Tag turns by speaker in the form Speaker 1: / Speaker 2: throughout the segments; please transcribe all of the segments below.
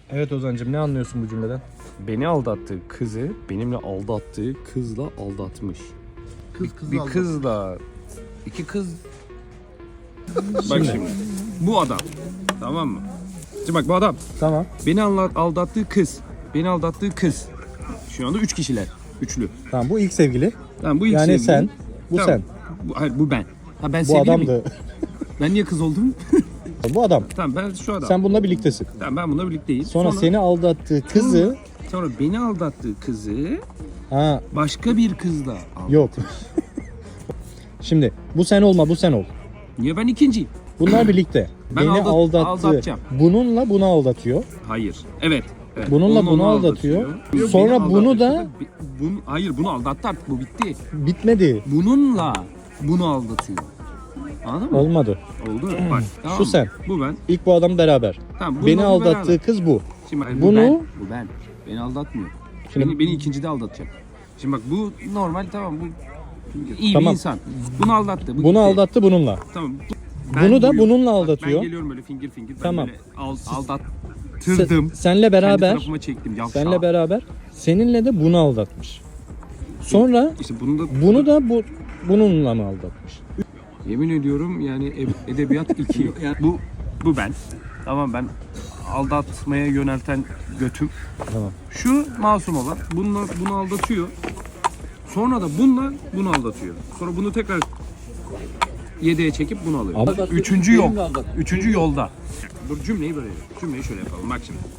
Speaker 1: Evet Ozan'cığım, ne anlıyorsun bu cümleden?
Speaker 2: Beni aldattığı kızı benimle aldattığı kızla aldatmış. Bir kızla iki kız. Bak şimdi. Bu adam. Tamam mı? Şimdi bak bu adam.
Speaker 1: Tamam.
Speaker 2: Beni aldattığı kız. Beni aldattığı kız. Şu anda 3 kişiler. Üçlü.
Speaker 1: Tamam, bu ilk sevgili.
Speaker 2: Tamam bu ilk
Speaker 1: Yani
Speaker 2: sevgili.
Speaker 1: sen. Bu
Speaker 2: Tamam.
Speaker 1: sen.
Speaker 2: Hayır bu ben. Ha ben
Speaker 1: Bu
Speaker 2: sevgili miyim?
Speaker 1: adamdı.
Speaker 2: Ben niye kız oldum?
Speaker 1: Bu adam.
Speaker 2: Tamam ben şu adam.
Speaker 1: Sen bununla birliktesin.
Speaker 2: Tamam ben bununla birlikteyim.
Speaker 1: Sonra seni aldattığı kızı...
Speaker 2: Sonra beni aldattığı kızı
Speaker 1: Ha,
Speaker 2: başka bir kızla aldattı.
Speaker 1: yok. Şimdi bu sen olma, bu sen ol.
Speaker 2: Niye ben ikinciyim?
Speaker 1: Bunlar birlikte.
Speaker 2: Ben
Speaker 1: Beni
Speaker 2: aldatacağım.
Speaker 1: Bununla bunu aldatıyor.
Speaker 2: Hayır. Evet. Evet.
Speaker 1: Bununla
Speaker 2: Onu
Speaker 1: bunu
Speaker 2: aldatıyor.
Speaker 1: aldatıyor.
Speaker 2: Yok,
Speaker 1: Sonra
Speaker 2: beni
Speaker 1: bunu
Speaker 2: aldatıyor.
Speaker 1: da...
Speaker 2: Hayır bunu aldattı artık bu bitti.
Speaker 1: Bitmedi.
Speaker 2: Bununla bunu aldatıyor. Anladın mı?
Speaker 1: Olmadı.
Speaker 2: Oldu mu? Bak, tamam
Speaker 1: Şu
Speaker 2: mı?
Speaker 1: sen.
Speaker 2: Bu ben.
Speaker 1: İlk bu adam beraber.
Speaker 2: Tamam, bununla
Speaker 1: Beni
Speaker 2: bu
Speaker 1: aldattığı
Speaker 2: beraber.
Speaker 1: kız bu.
Speaker 2: Şimdi bak,
Speaker 1: Bunu-
Speaker 2: bu ben. Beni aldatmıyor.
Speaker 1: Şimdi-
Speaker 2: Beni ikincide aldatacak. Şimdi bak bu normal tamam bu iyi
Speaker 1: Tamam.
Speaker 2: bir insan. Bunu aldattı. Bu
Speaker 1: Bunu
Speaker 2: gitti.
Speaker 1: aldattı bununla.
Speaker 2: Tamam.
Speaker 1: Bunu da
Speaker 2: buyum.
Speaker 1: bununla
Speaker 2: Bak,
Speaker 1: aldatıyor.
Speaker 2: ben geliyorum böyle fingir. Ben
Speaker 1: Tamam.
Speaker 2: böyle aldattırdım.
Speaker 1: Senle
Speaker 2: Kendi
Speaker 1: beraber,
Speaker 2: tarafıma çektim. Yavşağı.
Speaker 1: senle beraber, seninle de bunu aldatmış. Sonra
Speaker 2: İşte
Speaker 1: bunu da bununla mı aldatmış?
Speaker 2: yemin ediyorum yani edebiyat 2. Yani bu ben. Tamam ben aldatmaya yönelten götüm.
Speaker 1: Tamam.
Speaker 2: Şu masum olan bunu aldatıyor. Sonra da bununla bunu aldatıyor. Sonra bunu tekrar 7'ye çekip bunu alıyor.
Speaker 1: Ama-
Speaker 2: Üçüncü yol. Üçüncü yolda. Dur cümleyi böyle. Cümleyi şöyle yapalım. Bak şimdi.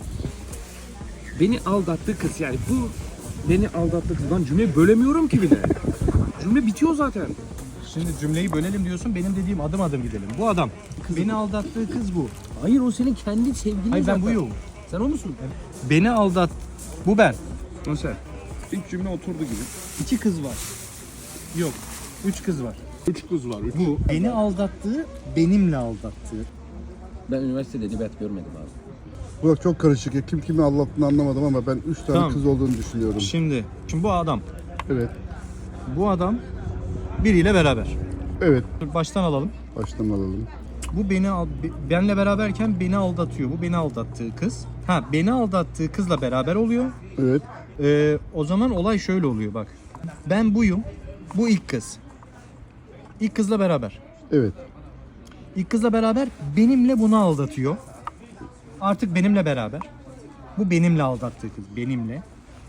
Speaker 2: Beni aldattığı kız yani bu beni aldattığı kız. Lan cümleyi bölemiyorum ki bile. Cümle bitiyor zaten.
Speaker 1: Şimdi cümleyi bölelim diyorsun, benim dediğim adım adım gidelim. Bu adam. Beni aldattığı kız bu.
Speaker 2: Hayır o senin kendi sevgilin
Speaker 1: Hayır, ben
Speaker 2: zaten.
Speaker 1: buyum.
Speaker 2: Sen o musun?
Speaker 1: Beni aldat... Bu ben.
Speaker 2: O sen. İlk cümle oturdu gibi.
Speaker 1: 2 kız var. Yok. 3 kız var.
Speaker 2: 3 kız var.
Speaker 1: Bu beni aldattığı, benimle aldattığı.
Speaker 2: Ben üniversitede edebiyat görmedim abi.
Speaker 3: Burak çok karışık ya. Kim kimi anlattığını anlamadım ama ben 3 tane
Speaker 1: Tamam.
Speaker 3: kız olduğunu düşünüyorum.
Speaker 1: Şimdi bu adam.
Speaker 3: Evet.
Speaker 1: Bu adam biriyle beraber.
Speaker 3: Evet.
Speaker 1: Dur, baştan alalım.
Speaker 3: Baştan alalım.
Speaker 1: Bu benle beraberken beni aldatıyor. Bu beni aldattığı kız. Ha, beni aldattığı kızla beraber oluyor.
Speaker 3: Evet.
Speaker 1: O zaman olay şöyle oluyor bak. Ben buyum. Bu ilk kız. İlk kızla beraber.
Speaker 3: Evet.
Speaker 1: İlk kızla beraber benimle bunu aldatıyor. Artık benimle beraber. Bu benimle aldattığı kız. Benimle.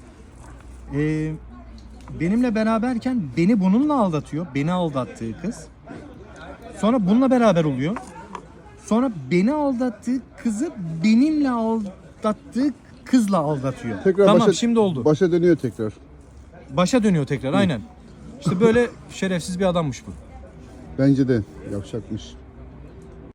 Speaker 1: Benimle beraberken beni bununla aldatıyor. Beni aldattığı kız. Sonra bununla beraber oluyor. Sonra beni aldattığı kızı benimle aldattığı kızla aldatıyor.
Speaker 3: Tekrar
Speaker 1: Tamam, şimdi oldu.
Speaker 3: Başa dönüyor tekrar.
Speaker 1: Başa dönüyor tekrar, aynen. İşte böyle şerefsiz bir adammış bu.
Speaker 3: Bence de yavşakmış.